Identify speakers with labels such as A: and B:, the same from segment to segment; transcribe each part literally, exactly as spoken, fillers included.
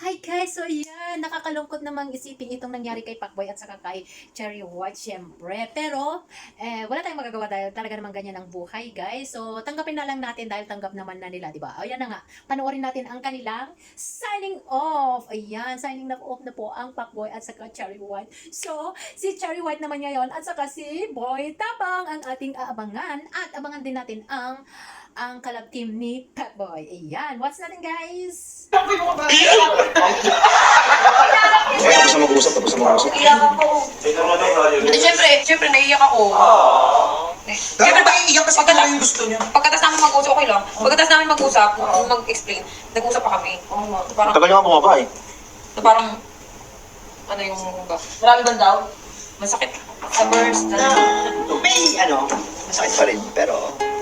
A: Hi guys! So yan, nakakalungkot namang isipin itong nangyari kay Pacboy at saka kay Cherry White syempre. Pero, eh, wala tayong magagawa dahil talaga namang ganyan ang buhay guys. So, tanggapin na lang natin dahil tanggap naman na nila, di ba? Ayan na nga, panoorin natin ang kanilang signing off. Ayan, signing off na po ang Pacboy at saka Cherry White. So, si Cherry White naman ngayon at saka si Boy Tapang ang ating aabangan at abangan din natin ang ang collab team ni Pacboy. Ayan, what's natin guys?
B: Tapos na mag-uusap, tapos na mag-uusap.
C: Iyak ako. Hindi, siyempre, siyempre naiiyak ako. Siyempre,
D: Pero iiyak kasi
C: pagkata-
D: yung gusto niya.
C: pagkatapos namin mag-usap, okay lang. Pagkatapos namin mag-usap, kung mag-explain, nag-usap pa kami. Parang,
B: Tagal nga bumaba eh.
C: na parang, ano yung, marami bang daw? Masakit. Sa burst.
D: Na, may ano, masakit pa rin, pero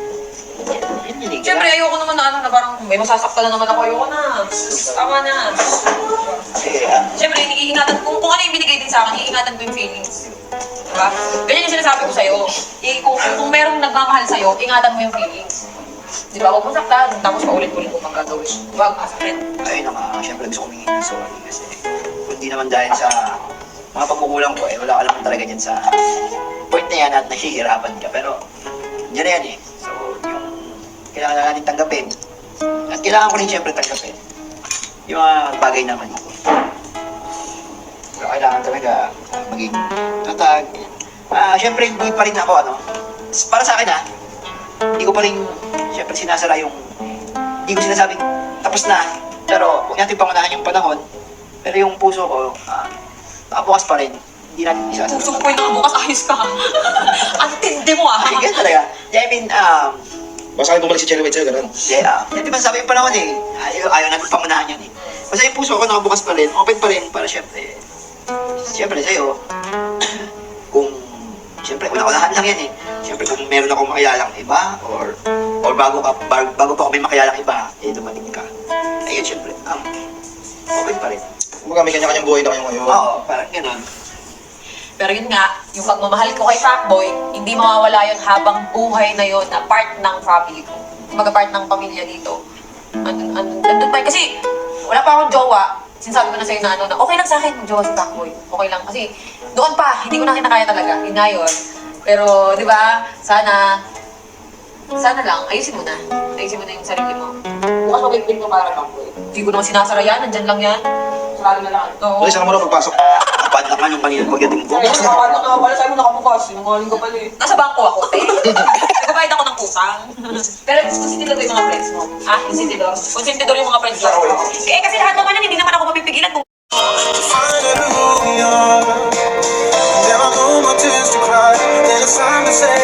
D: yun yun eh.
C: Siyempre, ayoko naman na ano, na parang, may masasaktan na naman ako, ayoko na. Tama na.
D: Eh, ah,
C: Siyempre, iingatan, kung, kung ano yung binigay din sa akin, iingatan ko yung feelings. Diba? Ganyan yung sinasabi ko sa'yo. I, kung, kung merong nagmamahal sa'yo, ingatan mo yung feelings. Diba? Huwag mo saktan, tapos paulit-ulit mo pang gagawin. Huwag masakit.
D: ayun na nga, syempre gusto ko humingi ng sorry kasi kundi naman dahil sa mga pagkukulang ko eh, wala ka naman talaga dyan sa point na yan at nahihirapan ka. Pero, dyan na yan eh. So, yung kailangan na natin tanggapin. At kailangan ko rin syempre tanggapin yung mga bagay naman ko. Pero kailangan talaga ah, maging tatag. Ah, syempre hindi pa rin ako ano. Para sa akin ah, hindi ko pa rin syempre sinasara yung hindi ko sinasabing tapos na. Pero huwag natin pangunahan yung panahon. Pero yung puso ko, ah, nakabukas pa rin. Hindi natin isasara.
C: Puso ko yung nakabukas, ayos ka. Ang tindi mo ah.
D: Ay, ganun talaga. Yeah, I mean, um,
B: Basta kayo bumalik si Cherry White sa'yo, ganun.
D: yeah, uh, di ba sabi yung panahon eh, ayaw, ayaw natin pangunahan yan eh. Basta yung puso ko nakabukas pa rin, open pa rin para syempre, syempre sa'yo, kung, syempre, una-unahan lang yan eh. Syempre, kung meron akong makilalang iba, or, or bago, ka, bago, bago pa ako may makilalang iba, eh, dumating ka. Ayun, syempre, um, open pa rin.
B: Kumbaga may kanya-kanyang buhay na kayo ngayon.
D: Oo, parang gano'n.
C: Pero yun nga, yung pagmamahal ko kay Pacboy, hindi mawawala yun habang buhay na yun na part ng family ko. Kumbaga part ng pamilya dito. Andun, andun, andun pa yun. Kasi wala pa akong jowa. Sinasabi ko na sa'yo na ano na okay lang sa akin kung jowa si Pacboy. Okay lang. Kasi doon pa, hindi ko na kinakaya talaga. Yun nga yun. Pero di ba, sana, sana lang, ayusin mo na. Ayusin mo na yung sarili mo. Bukas mabigbil mo para Pacboy. Hindi ko naman sinasara yan, nandyan lang yan. Sarado na lang. Oo.
B: Ulit, sana mo na pagpasok.
D: Kapad lang nga yung kanina pagdating ko.
C: Ay, nakapala ka pala sa'yo nakabukas. Sinungaling ka pala eh. Nasa bangko ako, te. Nagbabayad ako ng kusang. Pero konsentidor ko yung mga friends mo. Ah, konsentidor? Konsentidor yung mga friends mo. Eh, kasi lahat naman yan, hindi naman ako mapipigilan kung
E: Finally who we are. There are no more tears to cry. Then it's time to say